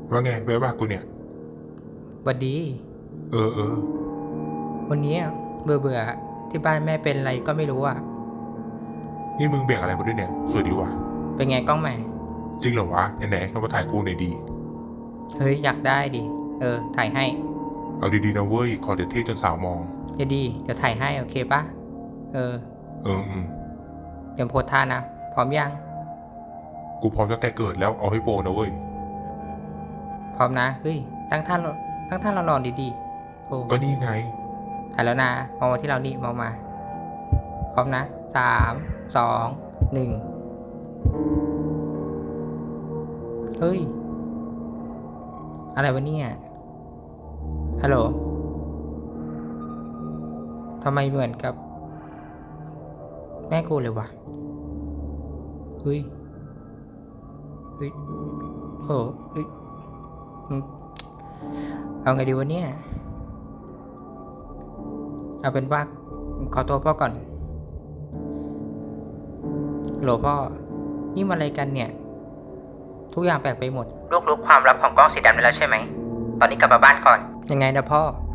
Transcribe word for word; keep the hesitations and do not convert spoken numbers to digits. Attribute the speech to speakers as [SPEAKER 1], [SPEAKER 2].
[SPEAKER 1] ว่าไงแวะว่ากูเนี่ย
[SPEAKER 2] หวัดดี
[SPEAKER 1] เออเออ
[SPEAKER 2] วันนี้เบื่อเบื่อที่บ้านแม่เป็นอะไรก็ไม่รู้อ่ะ
[SPEAKER 1] นี่มึงแบ่งอะไรมาด้วยเนี่ยสวยดีว่ะ
[SPEAKER 2] เป็นไงกล้องใหม่
[SPEAKER 1] จริงเหรอวะไหนๆเรามาถ่ายกูหน่อยดี
[SPEAKER 2] เฮ้ยอยากได้ดิเออถ่ายให้
[SPEAKER 1] เอาดีๆนะเว้ยขอเดี๋ยวเท่จนสาวมอง
[SPEAKER 2] เดี๋ยวดีเดี๋ยวถ่ายให้โอเคปะเออ
[SPEAKER 1] เอออืม
[SPEAKER 2] เดี๋ยวโพสท่านะพร้อมยัง
[SPEAKER 1] กูพร้อมตั้งแต่เกิดแล้วเอาให้โปรนะเว้ย
[SPEAKER 2] พร้อมนะเฮ้ยตั้งท่าตั้งท่าเราลองดีๆโอ้
[SPEAKER 1] ก็นี่ไง
[SPEAKER 2] ถ่ายแล้วนะมองมาที่เรานี่มองมาพร้อมนะสามสองหนึ่งเฮ้ยอะไรวะเนี่ยฮัลโหลทำไมเหมือนกับแม่กูเลยวะเฮ้ยเฮ้ยโหเฮ้ยเอาไงดีวะเนี่ยเอาเป็นว่าขอตัวพ่อก่อนโหลพ่อนี่มาอะไรกันเนี่ยทุกอย่างแปลกไปหมดลูกรู้ความลับของกล้องสีดำไปแล้วใช่ไหมตอนนี้กลับมาบ้านก่อนยังไงนะพ่อ